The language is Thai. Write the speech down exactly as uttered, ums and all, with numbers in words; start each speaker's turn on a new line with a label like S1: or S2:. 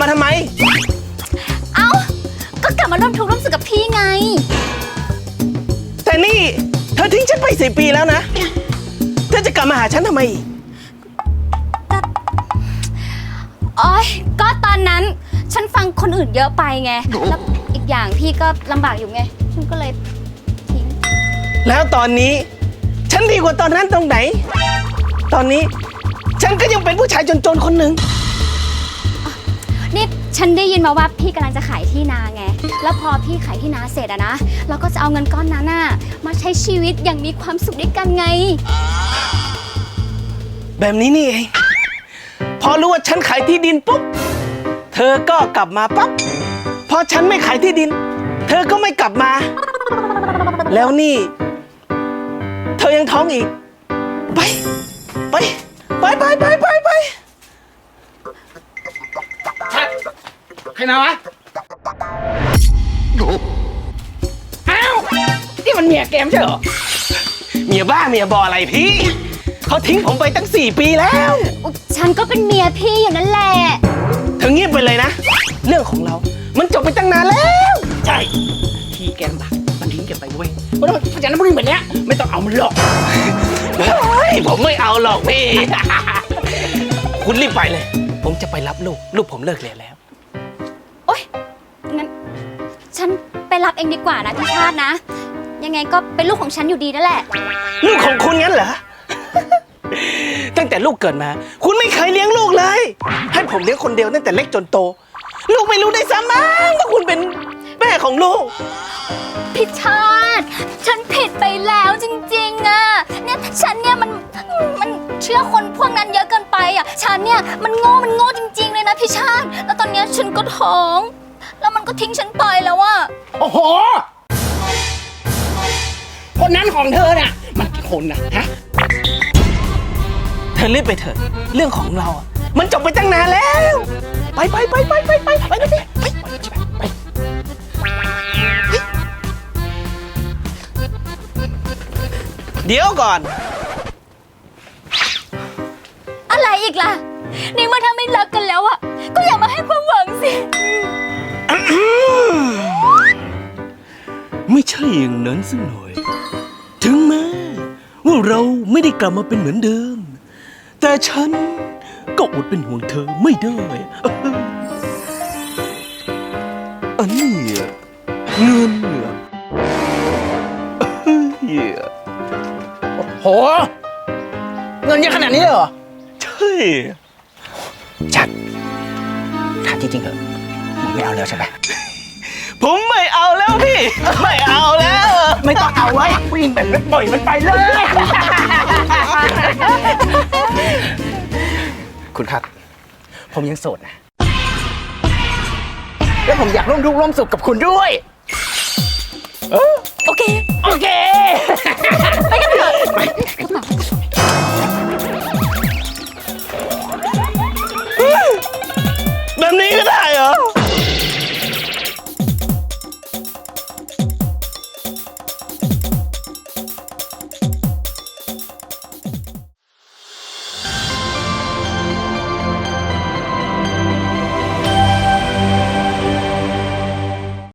S1: ทำไม
S2: เอ้าก็กลับมาร่วมทุกข์ร่วมสุขกับพี่ไง
S1: แต่นี่เธอทิ้งฉันไปสี่ปีแล้วนะเธอจะกลับมาหาฉันทำไม
S2: โอ๊ยก็ตอนนั้นฉันฟังคนอื่นเยอะไปไงแล้วอีกอย่างพี่ก็ลำบากอยู่ไงฉันก็เลยทิ้ง
S1: แล้วตอนนี้ฉันดีกว่าตอนนั้นตรงไหนตอนนี้ฉันก็ยังเป็นผู้ชายจนๆคนหนึ่ง
S2: นี่ฉันได้ยินมาว่าพี่กำลังจะขายที่นาไงแล้วพอพี่ขายที่นาเสร็จอะนะเราก็จะเอาเงินก้อนนั้นน่ะมาใช้ชีวิตอย่างมีความสุขด้วยกันไง
S1: แบบนี้นี่เองพอรู้ว่าฉันขายที่ดินปุ๊บเธอก็กลับมาปั๊บพอฉันไม่ขายที่ดินเธอก็ไม่กลับมาแล้วนี่เธอยังท้องอีกไปไปไปไปไปไปไป
S3: ชัดใครมาวะอ้าวนี่มันเมียแกมใช่เหรอ
S1: เมียบ้าเมียบออะไรพี่เขาทิ้งผมไปตั้งสี่ปีแล้ว
S2: ฉันก็เป็นเมียพี่อยู่นั่นแหละ
S1: เธอเงียบไปเลยนะเรื่องของเรามันจบไปตั้งนานแล้ว
S3: ใช่ที่แกมบักมันทิ้งแกไปเว้ยเพราะฉะนั้นเพราะฉะนั้นพวกนี้แบบเนี้ยไม่ต้องเอามันหรอก
S1: ผมไม่เอาหรอกพี่คุณรีบไปเลยผมจะไปรับลูกลูกผมเลิกเรียนแล้ว
S2: โอ๊ยงั้นฉันไปรับเองดีกว่านะพี่ชาตินะยังไงก็เป็นลูกของฉันอยู่ดีนั่นแหละ
S1: ลูกของคุณงั้นเหรอตั้งแต่ลูกเกิดมาคุณไม่เคยเลี้ยงลูกเลยให้ผมเลี้ยงคนเดียวตั้งแต่เล็กจนโตลูกไม่รู้ได้ซ้ำมั้งว่าคุณเป็นแม่ของลูก
S2: พี่ชาติฉันผิดไปแล้วจริงๆอ่ะเนี่ยฉันเนี่ยมันมันเชื่อคนพวกนั้นเยอะเกินไปอ่ะฉันเนี่ยมันโง่มันโง่จริงๆเลยนะพี่ชาติแล้วตอนนี้ฉันก็ท้องแล้วมันก็ทิ้งฉันไปแล้วอ่ะ
S3: โอ้โหคนนั้นของเธอน่ะมันกี่คนนะฮะ
S1: เธอรีบไปเถอะเรื่องของเราอ่ะมันจบไปตั้งนานแล้วไปไปไปไปไปไปไปไปไปไปเดี๋ยวก่อน
S2: อะไรอีกล่ะในเมื่อถ้าไม่รักกันแล้วอ่ะก็อย่ามาให้ความหวังสิ
S4: ไม่ใช่อย่างนั้นสักหน่อยถึงแม้ว่าเราไม่ได้กลับมาเป็นเหมือนเดิมแต่ฉันก็อดเป็นห่วงเธอไม่ได้อันนี้เงิน
S3: โหเงินเยอะขนาดนี้เหรอ
S4: ใช่
S3: ชัดถามจริงๆเหรอไม่เอาแล้วใช่ไหม
S1: ผมไม่เอาแล้วพี่ไม่เอาแล้ว
S3: ไม่ต้องเอาไว้วิ่งแบบนั้นปล่อยมันไปเลยคุณครับผมยังโสดนะแล้วผมอยากร่วมทุกข์ร่วมสุขกับคุณด้วย
S2: โอเค
S3: โอเค